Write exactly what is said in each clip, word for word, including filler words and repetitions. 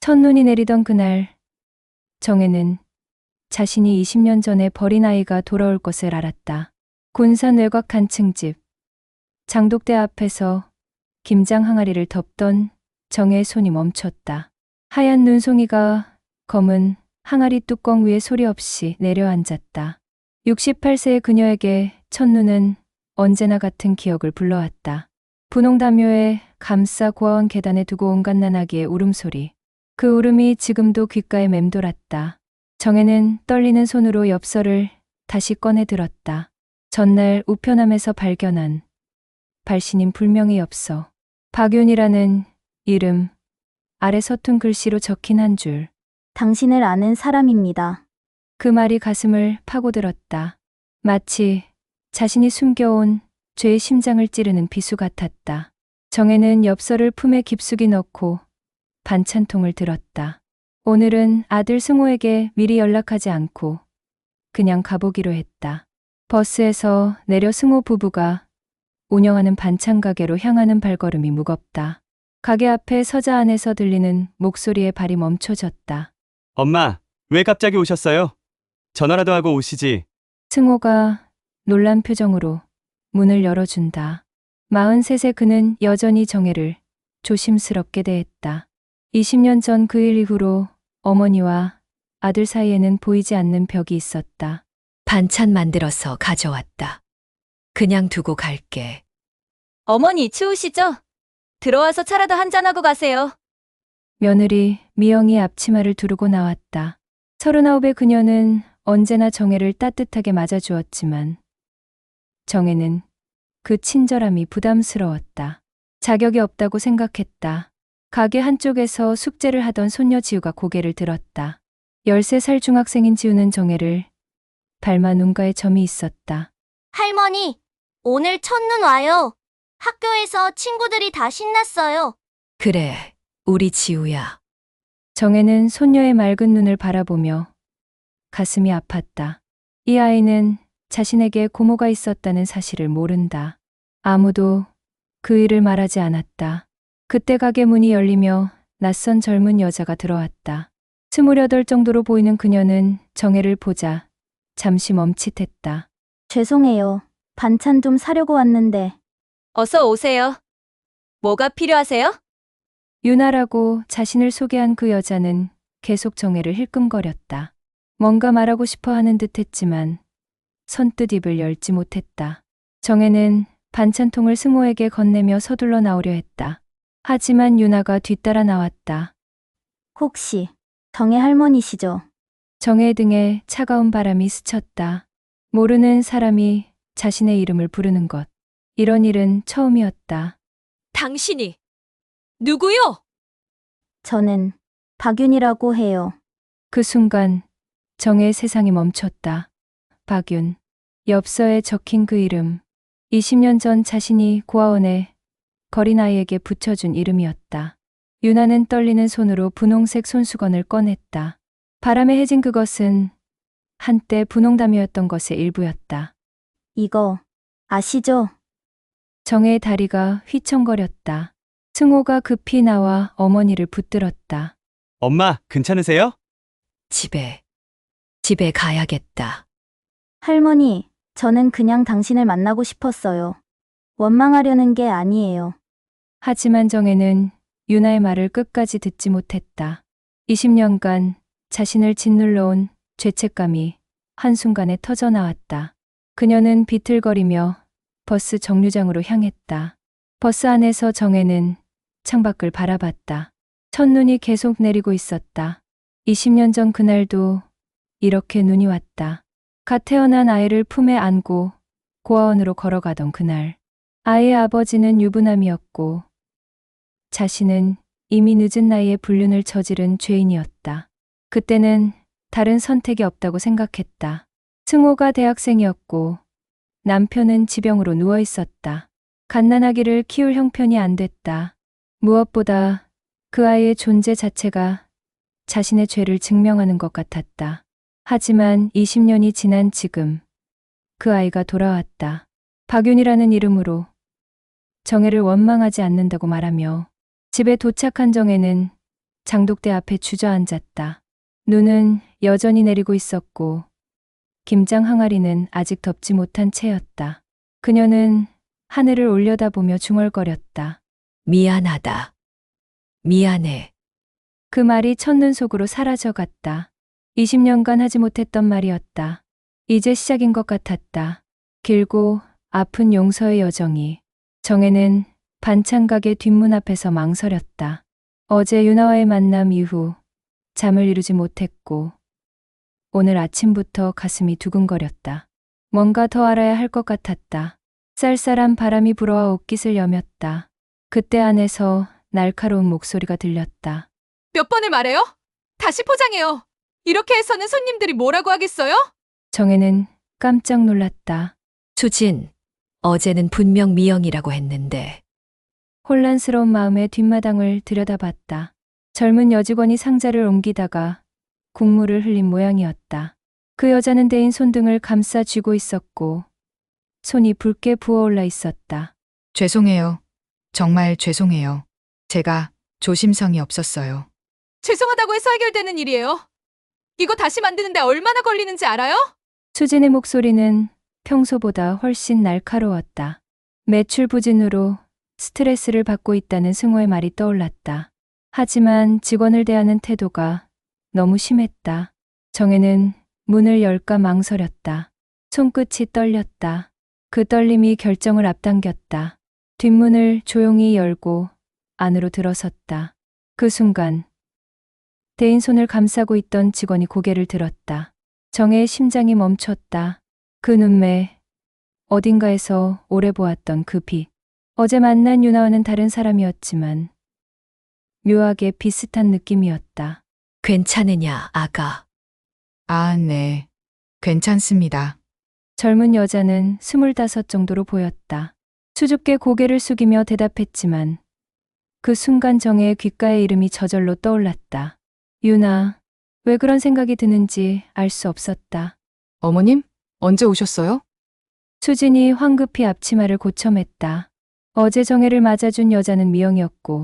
첫눈이 내리던 그날, 정혜는 자신이 이십 년 전에 버린 아이가 돌아올 것을 알았다. 군산 외곽 한 층집, 장독대 앞에서 김장 항아리를 덮던 정혜의 손이 멈췄다. 하얀 눈송이가 검은 항아리 뚜껑 위에 소리 없이 내려앉았다. 육십팔 세의 그녀에게 첫눈은 언제나 같은 기억을 불러왔다. 분홍담요에 감싸 고아원 계단에 두고 온 갓난아기의 울음소리. 그 울음이 지금도 귓가에 맴돌았다. 정혜는 떨리는 손으로 엽서를 다시 꺼내 들었다. 전날 우편함에서 발견한 발신인 불명의 엽서. 박윤이라는 이름 아래 서툰 글씨로 적힌 한 줄. 당신을 아는 사람입니다. 그 말이 가슴을 파고들었다. 마치 자신이 숨겨온 죄의 심장을 찌르는 비수 같았다. 정혜는 엽서를 품에 깊숙이 넣고 반찬통을 들었다. 오늘은 아들 승호에게 미리 연락하지 않고 그냥 가보기로 했다. 버스에서 내려 승호 부부가 운영하는 반찬 가게로 향하는 발걸음이 무겁다. 가게 앞에 서자 안에서 들리는 목소리에 발이 멈춰졌다. 엄마, 왜 갑자기 오셨어요? 전화라도 하고 오시지. 승호가 놀란 표정으로 문을 열어준다. 마흔셋의 그는 여전히 정혜를 조심스럽게 대했다. 이십 년 전 그 일 이후로 어머니와 아들 사이에는 보이지 않는 벽이 있었다. 반찬 만들어서 가져왔다. 그냥 두고 갈게. 어머니 추우시죠? 들어와서 차라도 한잔하고 가세요. 며느리 미영이 앞치마를 두르고 나왔다. 서른아홉의 그녀는 언제나 정혜를 따뜻하게 맞아주었지만 정혜는 그 친절함이 부담스러웠다. 자격이 없다고 생각했다. 가게 한쪽에서 숙제를 하던 손녀 지우가 고개를 들었다. 열세 살 중학생인 지우는 정혜를 닮아 눈가에 점이 있었다. 할머니, 오늘 첫눈 와요. 학교에서 친구들이 다 신났어요. 그래, 우리 지우야. 정혜는 손녀의 맑은 눈을 바라보며 가슴이 아팠다. 이 아이는 자신에게 고모가 있었다는 사실을 모른다. 아무도 그 일을 말하지 않았다. 그때 가게 문이 열리며 낯선 젊은 여자가 들어왔다. 스물여덟 정도로 보이는 그녀는 정혜를 보자 잠시 멈칫했다. 죄송해요. 반찬 좀 사려고 왔는데. 어서 오세요. 뭐가 필요하세요? 유나라고 자신을 소개한 그 여자는 계속 정혜를 힐끔거렸다. 뭔가 말하고 싶어 하는 듯 했지만 선뜻 입을 열지 못했다. 정혜는 반찬통을 승호에게 건네며 서둘러 나오려 했다. 하지만 유나가 뒤따라 나왔다. 혹시 정혜 할머니시죠? 정혜의 등에 차가운 바람이 스쳤다. 모르는 사람이 자신의 이름을 부르는 것. 이런 일은 처음이었다. 당신이 누구요? 저는 박윤이라고 해요. 그 순간 정혜의 세상이 멈췄다. 박윤. 엽서에 적힌 그 이름. 이십 년 전 자신이 고아원에 거린 아이에게 붙여준 이름이었다. 유나는 떨리는 손으로 분홍색 손수건을 꺼냈다. 바람에 해진 그것은 한때 분홍담이었던 것의 일부였다. 이거 아시죠? 정혜의 다리가 휘청거렸다. 승호가 급히 나와 어머니를 붙들었다. 엄마, 괜찮으세요? 집에, 집에 가야겠다. 할머니, 저는 그냥 당신을 만나고 싶었어요. 원망하려는 게 아니에요. 하지만 정혜는 유나의 말을 끝까지 듣지 못했다. 이십 년간 자신을 짓눌러온 죄책감이 한순간에 터져나왔다. 그녀는 비틀거리며 버스 정류장으로 향했다. 버스 안에서 정혜는 창밖을 바라봤다. 첫눈이 계속 내리고 있었다. 이십 년 전 그날도 이렇게 눈이 왔다. 갓 태어난 아이를 품에 안고 고아원으로 걸어가던 그날. 아이의 아버지는 유부남이었고 자신은 이미 늦은 나이에 불륜을 저지른 죄인이었다. 그때는 다른 선택이 없다고 생각했다. 승호가 대학생이었고 남편은 지병으로 누워 있었다. 갓난아기를 키울 형편이 안 됐다. 무엇보다 그 아이의 존재 자체가 자신의 죄를 증명하는 것 같았다. 하지만 이십 년이 지난 지금 그 아이가 돌아왔다. 박윤이라는 이름으로 정혜를 원망하지 않는다고 말하며 집에 도착한 정혜는 장독대 앞에 주저앉았다. 눈은 여전히 내리고 있었고 김장 항아리는 아직 덮지 못한 채였다. 그녀는 하늘을 올려다보며 중얼거렸다. 미안하다. 미안해. 그 말이 첫눈 속으로 사라져갔다. 이십 년간 하지 못했던 말이었다. 이제 시작인 것 같았다. 길고 아픈 용서의 여정이. 정혜는 반찬 가게 뒷문 앞에서 망설였다. 어제 유나와의 만남 이후 잠을 이루지 못했고 오늘 아침부터 가슴이 두근거렸다. 뭔가 더 알아야 할 것 같았다. 쌀쌀한 바람이 불어와 옷깃을 여몄다. 그때 안에서 날카로운 목소리가 들렸다. 몇 번을 말해요? 다시 포장해요. 이렇게 해서는 손님들이 뭐라고 하겠어요? 정혜는 깜짝 놀랐다. 수진, 어제는 분명 미영이라고 했는데. 혼란스러운 마음에 뒷마당을 들여다봤다. 젊은 여직원이 상자를 옮기다가 국물을 흘린 모양이었다. 그 여자는 대인 손등을 감싸 쥐고 있었고 손이 붉게 부어올라 있었다. 죄송해요. 정말 죄송해요. 제가 조심성이 없었어요. 죄송하다고 해서 해결되는 일이에요. 이거 다시 만드는데 얼마나 걸리는지 알아요? 수진의 목소리는 평소보다 훨씬 날카로웠다. 매출 부진으로 스트레스를 받고 있다는 승호의 말이 떠올랐다. 하지만 직원을 대하는 태도가 너무 심했다. 정혜는 문을 열까 망설였다. 손끝이 떨렸다. 그 떨림이 결정을 앞당겼다. 뒷문을 조용히 열고 안으로 들어섰다. 그 순간 대인 손을 감싸고 있던 직원이 고개를 들었다. 정혜의 심장이 멈췄다. 그 눈매, 어딘가에서 오래 보았던 그 빛. 어제 만난 유나와는 다른 사람이었지만 묘하게 비슷한 느낌이었다. 괜찮으냐, 아가? 아, 네. 괜찮습니다. 젊은 여자는 스물다섯 정도로 보였다. 수줍게 고개를 숙이며 대답했지만 그 순간 정혜의 귓가에 이름이 저절로 떠올랐다. 유나, 왜 그런 생각이 드는지 알 수 없었다. 어머님? 언제 오셨어요? 수진이 황급히 앞치마를 고쳐맸다. 어제 정혜를 맞아준 여자는 미영이었고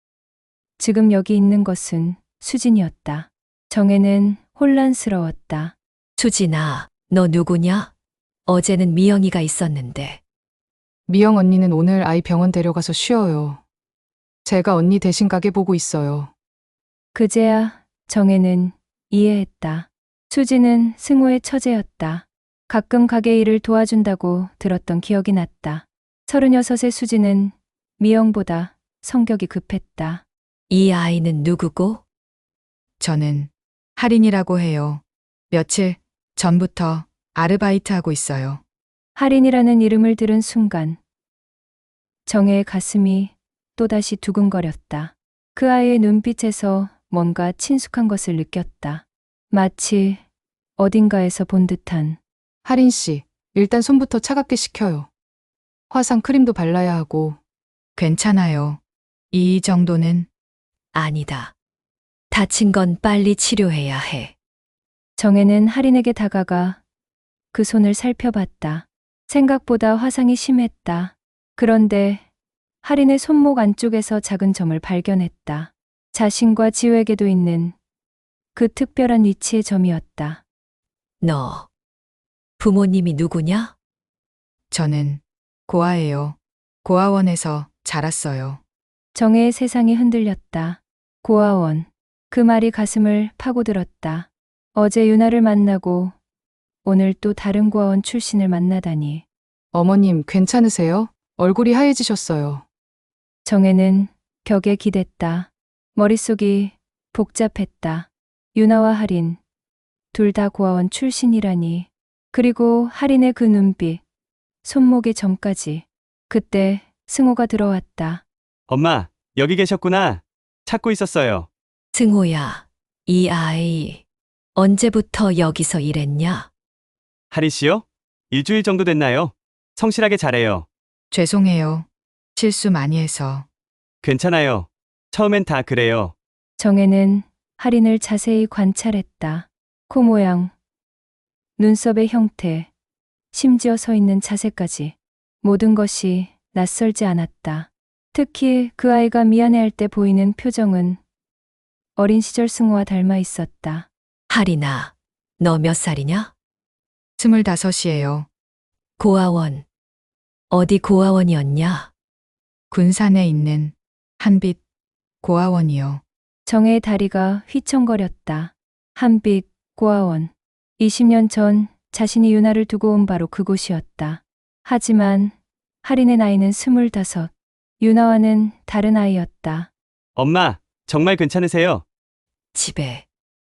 지금 여기 있는 것은 수진이었다. 정혜는 혼란스러웠다. 수진아, 너 누구냐? 어제는 미영이가 있었는데. 미영 언니는 오늘 아이 병원 데려가서 쉬어요. 제가 언니 대신 가게 보고 있어요. 그제야 정혜는 이해했다. 수진은 승호의 처제였다. 가끔 가게 일을 도와준다고 들었던 기억이 났다. 서른여섯의 수진은 미영보다 성격이 급했다. 이 아이는 누구고? 저는 할인이라고 해요. 며칠 전부터 아르바이트하고 있어요. 할인이라는 이름을 들은 순간 정혜의 가슴이 또다시 두근거렸다. 그 아이의 눈빛에서 뭔가 친숙한 것을 느꼈다. 마치 어딘가에서 본 듯한. 할인 씨, 일단 손부터 차갑게 식혀요. 화상 크림도 발라야 하고. 괜찮아요. 이 정도는. 아니다. 다친 건 빨리 치료해야 해. 정혜는 할인에게 다가가 그 손을 살펴봤다. 생각보다 화상이 심했다. 그런데 할인의 손목 안쪽에서 작은 점을 발견했다. 자신과 지우에게도 있는 그 특별한 위치의 점이었다. 너, 부모님이 누구냐? 저는 고아예요. 고아원에서 자랐어요. 정혜의 세상이 흔들렸다. 고아원. 그 말이 가슴을 파고들었다. 어제 유나를 만나고 오늘 또 다른 고아원 출신을 만나다니. 어머님, 괜찮으세요? 얼굴이 하얘지셨어요. 정혜는 벽에 기댔다. 머릿속이 복잡했다. 유나와 할인, 둘 다 고아원 출신이라니. 그리고 할인의 그 눈빛, 손목의 점까지. 그때 승호가 들어왔다. 엄마, 여기 계셨구나. 찾고 있었어요. 승호야, 이 아이 언제부터 여기서 일했냐? 하리 씨요? 일주일 정도 됐나요? 성실하게 잘해요. 죄송해요. 실수 많이 해서. 괜찮아요. 처음엔 다 그래요. 정혜는 할인을 자세히 관찰했다. 코 모양, 눈썹의 형태, 심지어 서 있는 자세까지. 모든 것이 낯설지 않았다. 특히 그 아이가 미안해할 때 보이는 표정은 어린 시절 승호와 닮아 있었다. 하리나, 너 몇 살이냐? 스물다섯이에요. 고아원. 어디 고아원이었냐? 군산에 있는 한빛 고아원이요. 정혜의 다리가 휘청거렸다. 한빛 고아원. 이십 년 전 자신이 유나를 두고 온 바로 그곳이었다. 하지만 할인의 나이는 스물다섯. 유나와는 다른 아이였다. 엄마, 정말 괜찮으세요? 집에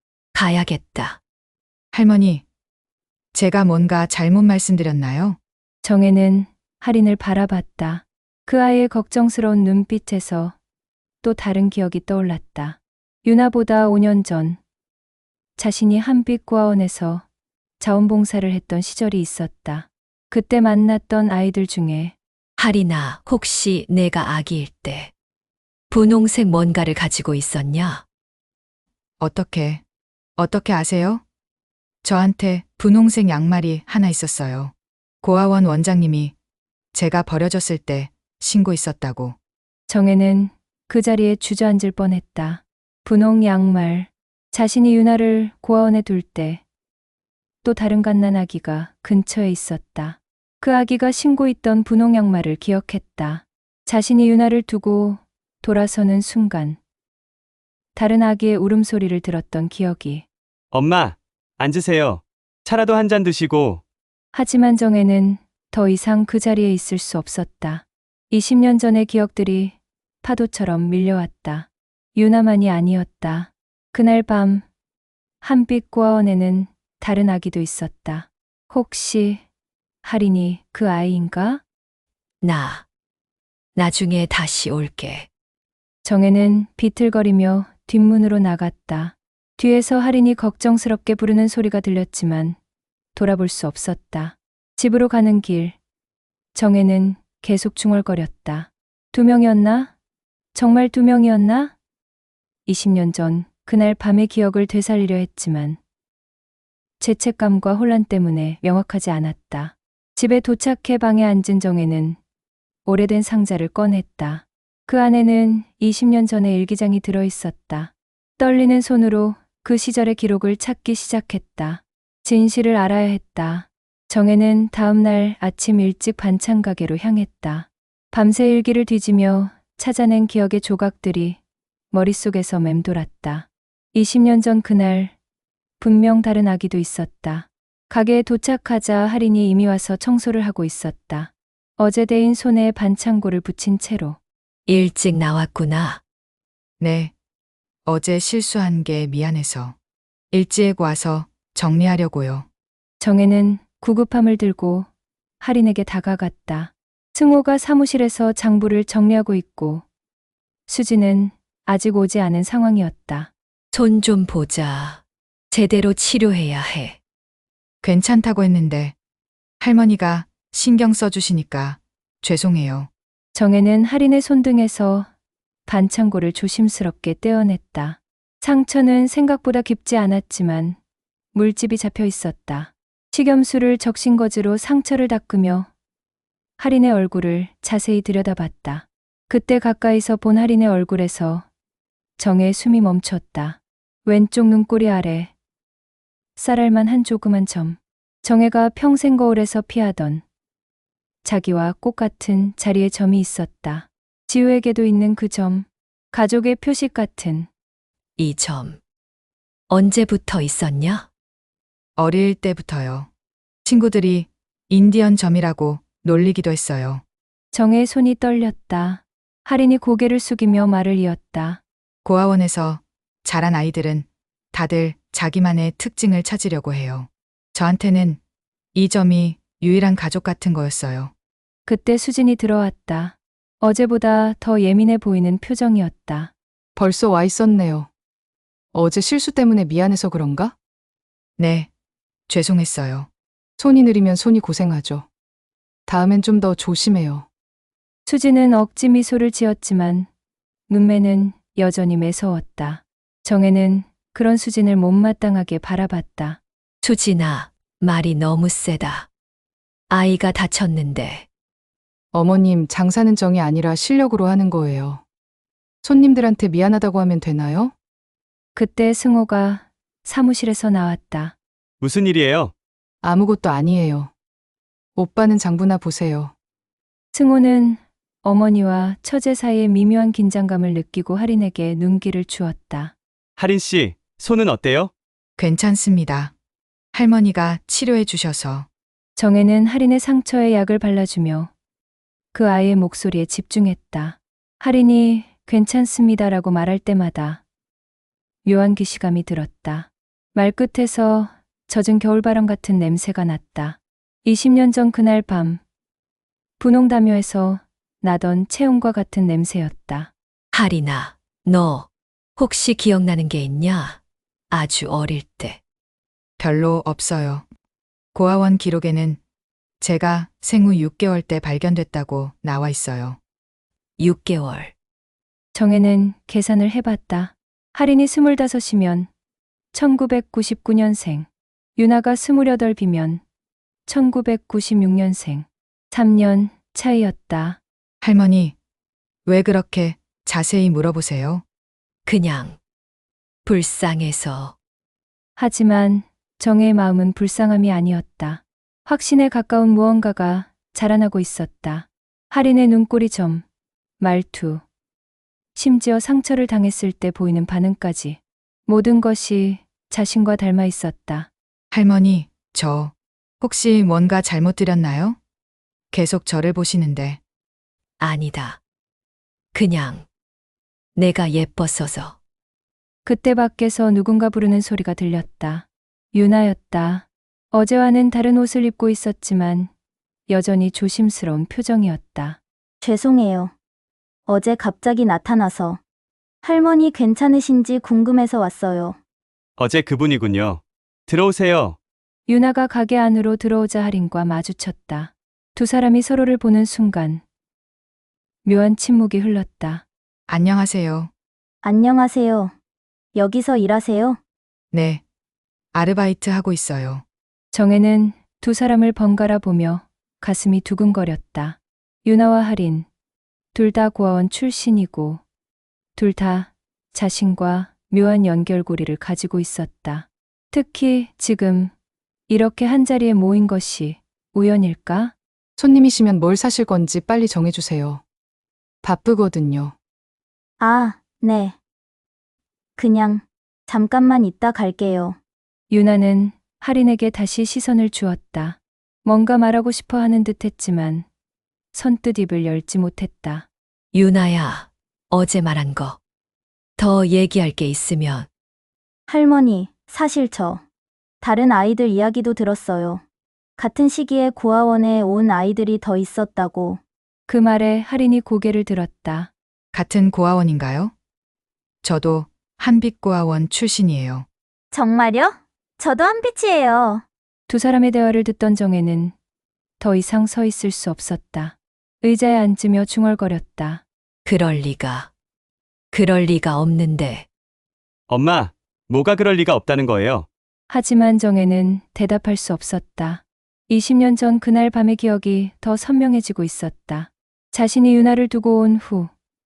가야겠다. 할머니, 제가 뭔가 잘못 말씀드렸나요? 정혜는 할인을 바라봤다. 그 아이의 걱정스러운 눈빛에서 또 다른 기억이 떠올랐다. 유나보다 오 년 전 자신이 한빛 고아원에서 자원봉사를 했던 시절이 있었다. 그때 만났던 아이들 중에 하리나, 혹시 내가 아기일 때 분홍색 뭔가를 가지고 있었냐? 어떻게, 어떻게 아세요? 저한테 분홍색 양말이 하나 있었어요. 고아원 원장님이 제가 버려졌을 때 신고 있었다고. 정혜는 그 자리에 주저앉을 뻔했다. 분홍 양말. 자신이 유나를 고아원에 둘 때 또 다른 갓난 아기가 근처에 있었다. 그 아기가 신고 있던 분홍 양말을 기억했다. 자신이 유나를 두고 돌아서는 순간 다른 아기의 울음소리를 들었던 기억이. 엄마, 앉으세요. 차라도 한 잔 드시고. 하지만 정혜는 더 이상 그 자리에 있을 수 없었다. 이십 년 전의 기억들이 파도처럼 밀려왔다. 유나만이 아니었다. 그날 밤 한빛 고아원에는 다른 아기도 있었다. 혹시 할인이 그 아이인가? 나, 나중에 다시 올게. 정혜는 비틀거리며 뒷문으로 나갔다. 뒤에서 할인이 걱정스럽게 부르는 소리가 들렸지만 돌아볼 수 없었다. 집으로 가는 길, 정혜는 계속 중얼거렸다. 두 명이었나? 정말 두 명이었나? 이십 년 전 그날 밤의 기억을 되살리려 했지만 죄책감과 혼란 때문에 명확하지 않았다. 집에 도착해 방에 앉은 정혜는 오래된 상자를 꺼냈다. 그 안에는 이십 년 전의 일기장이 들어 있었다. 떨리는 손으로 그 시절의 기록을 찾기 시작했다. 진실을 알아야 했다. 정혜는 다음 날 아침 일찍 반찬 가게로 향했다. 밤새 일기를 뒤지며 찾아낸 기억의 조각들이 머릿속에서 맴돌았다. 이십 년 전 그날 분명 다른 아기도 있었다. 가게에 도착하자 할인이 이미 와서 청소를 하고 있었다. 어제 데인 손에 반창고를 붙인 채로. 일찍 나왔구나. 네. 어제 실수한 게 미안해서. 일찍 와서 정리하려고요. 정혜는 구급함을 들고 할인에게 다가갔다. 승호가 사무실에서 장부를 정리하고 있고 수지는 아직 오지 않은 상황이었다. 손 좀 보자. 제대로 치료해야 해. 괜찮다고 했는데 할머니가 신경 써주시니까 죄송해요. 정혜는 할인의 손등에서 반창고를 조심스럽게 떼어냈다. 상처는 생각보다 깊지 않았지만 물집이 잡혀 있었다. 식염수를 적신거즈로 상처를 닦으며 할인의 얼굴을 자세히 들여다봤다. 그때 가까이서 본 할인의 얼굴에서 정혜의 숨이 멈췄다. 왼쪽 눈꼬리 아래 쌀알만 한 조그만 점. 정혜가 평생 거울에서 피하던 자기와 꽃 같은 자리에 점이 있었다. 지우에게도 있는 그 점. 가족의 표식 같은. 이 점. 언제부터 있었냐? 어릴 때부터요. 친구들이 인디언 점이라고 놀리기도 했어요. 정혜의 손이 떨렸다. 할인이 고개를 숙이며 말을 이었다. 고아원에서 자란 아이들은 다들 자기만의 특징을 찾으려고 해요. 저한테는 이 점이 유일한 가족 같은 거였어요. 그때 수진이 들어왔다. 어제보다 더 예민해 보이는 표정이었다. 벌써 와 있었네요. 어제 실수 때문에 미안해서 그런가? 네, 죄송했어요. 손이 느리면 손이 고생하죠. 다음엔 좀 더 조심해요. 수진은 억지 미소를 지었지만 눈매는 여전히 매서웠다. 정혜는 그런 수진을 못마땅하게 바라봤다. 수진아, 말이 너무 세다. 아이가 다쳤는데. 어머님, 장사는 정이 아니라 실력으로 하는 거예요. 손님들한테 미안하다고 하면 되나요? 그때 승호가 사무실에서 나왔다. 무슨 일이에요? 아무것도 아니에요. 오빠는 장부나 보세요. 승호는 어머니와 처제 사이의 미묘한 긴장감을 느끼고 할인에게 눈길을 주었다. 하린 씨, 손은 어때요? 괜찮습니다. 할머니가 치료해 주셔서. 정혜는 할인의 상처에 약을 발라주며 그 아이의 목소리에 집중했다. 할인이 괜찮습니다라고 말할 때마다 묘한 기시감이 들었다. 말끝에서 젖은 겨울바람 같은 냄새가 났다. 이십 년 전 그날 밤 분홍다묘에서 나던 체온과 같은 냄새였다. 하리나, 너 혹시 기억나는 게 있냐? 아주 어릴 때. 별로 없어요. 고아원 기록에는 제가 생후 육 개월 때 발견됐다고 나와 있어요. 육 개월. 정혜는 계산을 해봤다. 할인이 스물다섯이면 천구백구십구 년생, 유나가 스물여덟이면 천구백구십육 년생. 삼 년 차이였다. 할머니, 왜 그렇게 자세히 물어보세요? 그냥 불쌍해서. 하지만 정혜의 마음은 불쌍함이 아니었다. 확신에 가까운 무언가가 자라나고 있었다. 할인의 눈꼬리 점, 말투, 심지어 상처를 당했을 때 보이는 반응까지 모든 것이 자신과 닮아 있었다. 할머니, 저 혹시 뭔가 잘못 드렸나요? 계속 저를 보시는데. 아니다. 그냥 내가 예뻤어서. 그때 밖에서 누군가 부르는 소리가 들렸다. 유나였다. 어제와는 다른 옷을 입고 있었지만 여전히 조심스러운 표정이었다. 죄송해요. 어제 갑자기 나타나서 할머니 괜찮으신지 궁금해서 왔어요. 어제 그분이군요. 들어오세요. 유나가 가게 안으로 들어오자 할인과 마주쳤다. 두 사람이 서로를 보는 순간 묘한 침묵이 흘렀다. 안녕하세요. 안녕하세요. 여기서 일하세요? 네. 아르바이트 하고 있어요. 정혜는 두 사람을 번갈아 보며 가슴이 두근거렸다. 유나와 할인, 둘 다 고아원 출신이고 둘 다 자신과 묘한 연결고리를 가지고 있었다. 특히 지금 이렇게 한자리에 모인 것이 우연일까? 손님이시면 뭘 사실 건지 빨리 정해주세요. 바쁘거든요. 아, 네. 그냥 잠깐만 있다 갈게요. 유나는 할인에게 다시 시선을 주었다. 뭔가 말하고 싶어 하는 듯 했지만 선뜻 입을 열지 못했다. 유나야, 어제 말한 거. 더 얘기할 게 있으면. 할머니, 사실 저 다른 아이들 이야기도 들었어요. 같은 시기에 고아원에 온 아이들이 더 있었다고. 그 말에 할인이 고개를 들었다. 같은 고아원인가요? 저도 한빛고아원 출신이에요. 정말요? 저도 한빛이에요. 두 사람의 대화를 듣던 정혜는 더 이상 서 있을 수 없었다. 의자에 앉으며 중얼거렸다. 그럴 리가. 그럴 리가 없는데. 엄마, 뭐가 그럴 리가 없다는 거예요? 하지만 정혜는 대답할 수 없었다. 이십 년 전 그날 밤의 기억이 더 선명해지고 있었다. 자신이 유나를 두고 온 후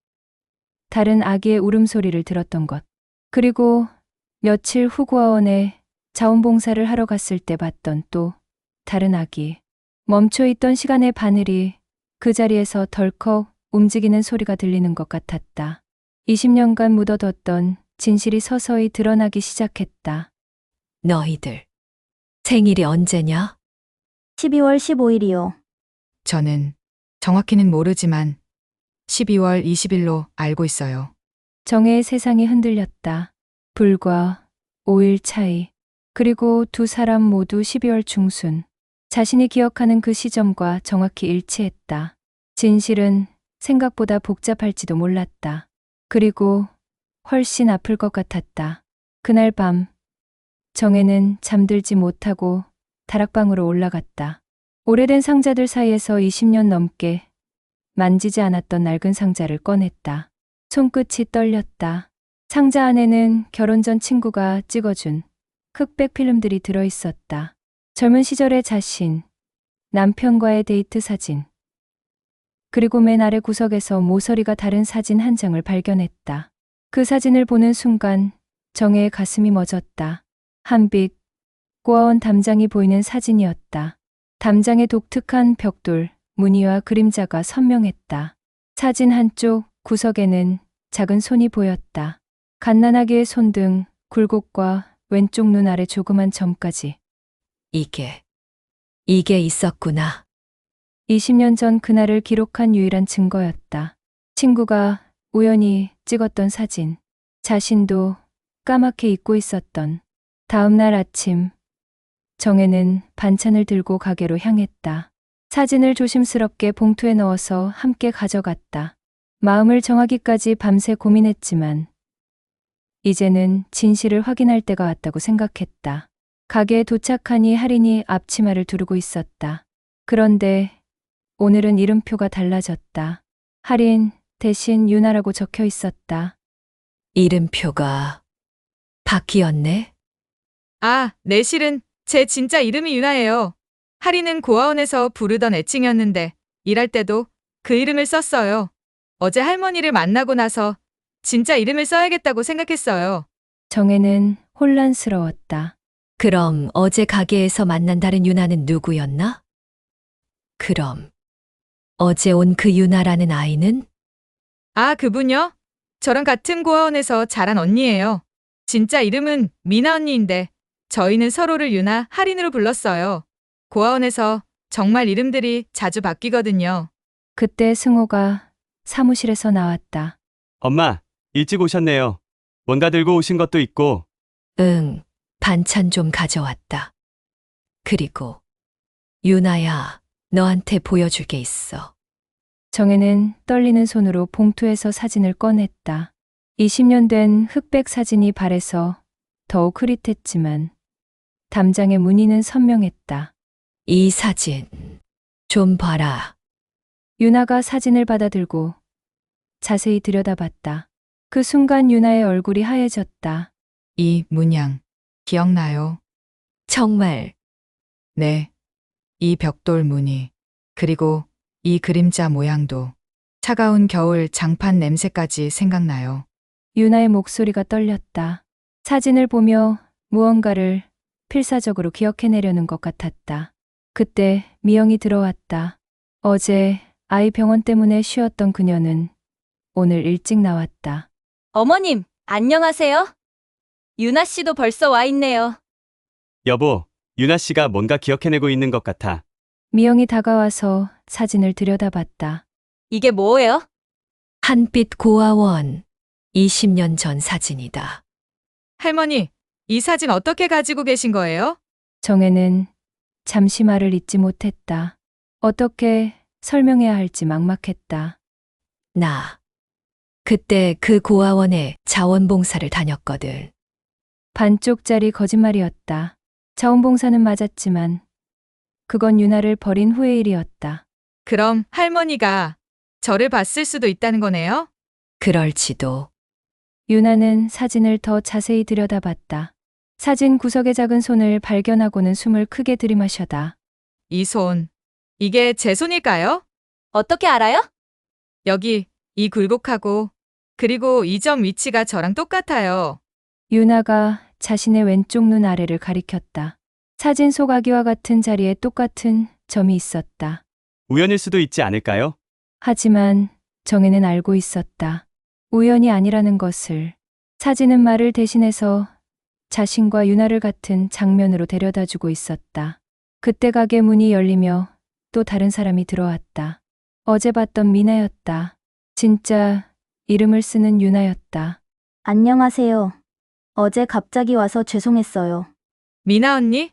다른 아기의 울음소리를 들었던 것. 그리고 며칠 후 고아원에 자원봉사를 하러 갔을 때 봤던 또 다른 아기. 멈춰있던 시간의 바늘이 그 자리에서 덜컥 움직이는 소리가 들리는 것 같았다. 이십 년간 묻어뒀던 진실이 서서히 드러나기 시작했다. 너희들. 생일이 언제냐? 십이월 십오일이요. 저는 정확히는 모르지만 십이월 이십일로 알고 있어요. 정혜의 세상이 흔들렸다. 불과 오 일 차이. 그리고 두 사람 모두 십이월 중순. 자신이 기억하는 그 시점과 정확히 일치했다. 진실은 생각보다 복잡할지도 몰랐다. 그리고 훨씬 아플 것 같았다. 그날 밤 정혜는 잠들지 못하고 다락방으로 올라갔다. 오래된 상자들 사이에서 이십 년 넘게 만지지 않았던 낡은 상자를 꺼냈다. 손끝이 떨렸다. 상자 안에는 결혼 전 친구가 찍어준 흑백 필름들이 들어있었다. 젊은 시절의 자신, 남편과의 데이트 사진, 그리고 맨 아래 구석에서 모서리가 다른 사진 한 장을 발견했다. 그 사진을 보는 순간 정혜의 가슴이 멎었다. 한빛, 고아원 담장이 보이는 사진이었다. 담장의 독특한 벽돌, 무늬와 그림자가 선명했다. 사진 한쪽 구석에는 작은 손이 보였다. 갓난아기의 손등, 굴곡과 왼쪽 눈 아래 조그만 점까지. 이게, 이게 있었구나. 이십 년 전 그날을 기록한 유일한 증거였다. 친구가 우연히 찍었던 사진. 자신도 까맣게 잊고 있었던. 다음 날 아침, 정혜는 반찬을 들고 가게로 향했다. 사진을 조심스럽게 봉투에 넣어서 함께 가져갔다. 마음을 정하기까지 밤새 고민했지만 이제는 진실을 확인할 때가 왔다고 생각했다. 가게에 도착하니 할인이 앞치마를 두르고 있었다. 그런데 오늘은 이름표가 달라졌다. 할인 대신 유나라고 적혀 있었다. 이름표가 바뀌었네? 아, 내 실은 제 진짜 이름이 유나예요. 할인은 고아원에서 부르던 애칭이었는데 일할 때도 그 이름을 썼어요. 어제 할머니를 만나고 나서 진짜 이름을 써야겠다고 생각했어요. 정혜는 혼란스러웠다. 그럼 어제 가게에서 만난 다른 유나는 누구였나? 그럼 어제 온 그 유나라는 아이는? 아, 그분요? 저랑 같은 고아원에서 자란 언니예요. 진짜 이름은 미나 언니인데 저희는 서로를 유나, 할인으로 불렀어요. 고아원에서 정말 이름들이 자주 바뀌거든요. 그때 승호가 사무실에서 나왔다. 엄마, 일찍 오셨네요. 뭔가 들고 오신 것도 있고. 응, 반찬 좀 가져왔다. 그리고 유나야, 너한테 보여줄 게 있어. 정혜는 떨리는 손으로 봉투에서 사진을 꺼냈다. 이십 년 된 흑백 사진이 발에서 더욱 흐릿했지만 담장의 무늬는 선명했다. 이 사진 좀 봐라. 유나가 사진을 받아들고 자세히 들여다봤다. 그 순간 유나의 얼굴이 하얘졌다. 이 문양 기억나요? 정말 네. 이 벽돌 무늬, 그리고 이 그림자 모양도 차가운 겨울 장판 냄새까지 생각나요. 유나의 목소리가 떨렸다. 사진을 보며 무언가를 필사적으로 기억해내려는 것 같았다. 그때 미영이 들어왔다. 어제 아이 병원 때문에 쉬었던 그녀는 오늘 일찍 나왔다. 어머님, 안녕하세요. 유나 씨도 벌써 와 있네요. 여보, 유나 씨가 뭔가 기억해내고 있는 것 같아. 미영이 다가와서 사진을 들여다봤다. 이게 뭐예요? 한빛 고아원 이십 년 전 사진이다. 할머니, 이 사진 어떻게 가지고 계신 거예요? 정혜는 잠시 말을 잇지 못했다. 어떻게 설명해야 할지 막막했다. 나 그때 그 고아원에 자원봉사를 다녔거든. 반쪽짜리 거짓말이었다. 자원봉사는 맞았지만 그건 유나를 버린 후의 일이었다. 그럼 할머니가 저를 봤을 수도 있다는 거네요? 그럴지도. 유나는 사진을 더 자세히 들여다봤다. 사진 구석의 작은 손을 발견하고는 숨을 크게 들이마셔다. 이 손, 이게 제 손일까요? 어떻게 알아요? 여기 이 굴곡하고 그리고 이 점 위치가 저랑 똑같아요. 유나가 자신의 왼쪽 눈 아래를 가리켰다. 사진 속 아기와 같은 자리에 똑같은 점이 있었다. 우연일 수도 있지 않을까요? 하지만 정혜는 알고 있었다. 우연이 아니라는 것을. 사진은 말을 대신해서 자신과 유나를 같은 장면으로 데려다주고 있었다. 그때 가게 문이 열리며 또 다른 사람이 들어왔다. 어제 봤던 미나였다. 진짜 이름을 쓰는 유나였다. 안녕하세요. 어제 갑자기 와서 죄송했어요. 미나 언니?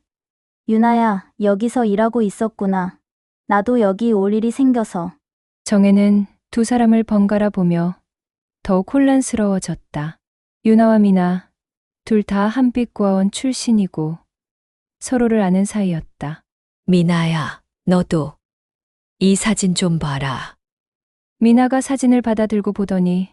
유나야, 여기서 일하고 있었구나. 나도 여기 올 일이 생겨서. 정혜는 두 사람을 번갈아 보며 더욱 혼란스러워졌다. 유나와 미나, 둘 다 한빛고아원 출신이고 서로를 아는 사이였다. 미나야, 너도 이 사진 좀 봐라. 미나가 사진을 받아들고 보더니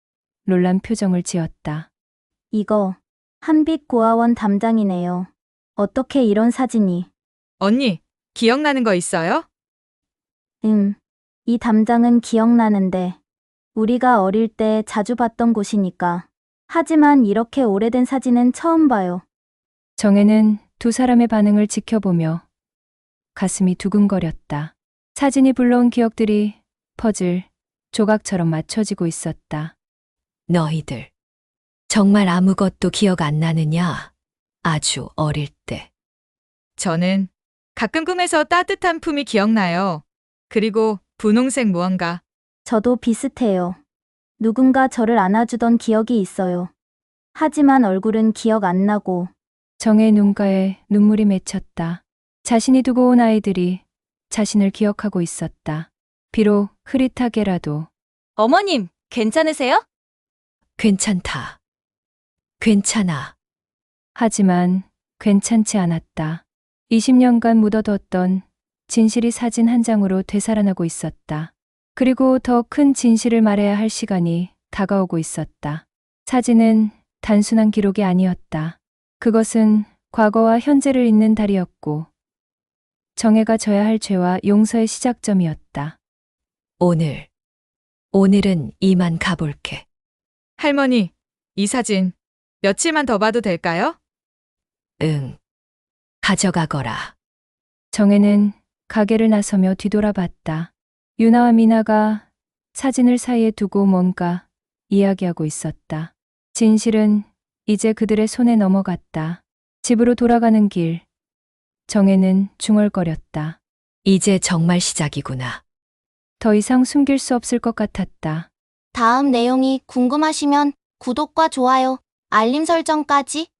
놀란 표정을 지었다. 이거 한빛고아원 담장이네요. 어떻게 이런 사진이? 언니, 기억나는 거 있어요? 음, 이 담장은 기억나는데 우리가 어릴 때 자주 봤던 곳이니까 하지만 이렇게 오래된 사진은 처음 봐요. 정혜는 두 사람의 반응을 지켜보며 가슴이 두근거렸다. 사진이 불러온 기억들이 퍼즐, 조각처럼 맞춰지고 있었다. 너희들 정말 아무것도 기억 안 나느냐? 아주 어릴 때. 저는 가끔 꿈에서 따뜻한 품이 기억나요. 그리고 분홍색 무언가. 저도 비슷해요. 누군가 저를 안아주던 기억이 있어요. 하지만 얼굴은 기억 안 나고 정혜의 눈가에 눈물이 맺혔다. 자신이 두고 온 아이들이 자신을 기억하고 있었다. 비록 흐릿하게라도. 어머님, 괜찮으세요? 괜찮다. 괜찮아. 하지만 괜찮지 않았다. 이십 년간 묻어뒀던 진실이 사진 한 장으로 되살아나고 있었다. 그리고 더 큰 진실을 말해야 할 시간이 다가오고 있었다. 사진은 단순한 기록이 아니었다. 그것은 과거와 현재를 잇는 달이었고 정혜가 져야 할 죄와 용서의 시작점이었다. 오늘. 오늘은 이만 가볼게. 할머니, 이 사진 며칠만 더 봐도 될까요? 응. 가져가거라. 정혜는 가게를 나서며 뒤돌아봤다. 유나와 미나가 사진을 사이에 두고 뭔가 이야기하고 있었다. 진실은 이제 그들의 손에 넘어갔다. 집으로 돌아가는 길. 정혜는 중얼거렸다. 이제 정말 시작이구나. 더 이상 숨길 수 없을 것 같았다. 다음 내용이 궁금하시면 구독과 좋아요, 알림 설정까지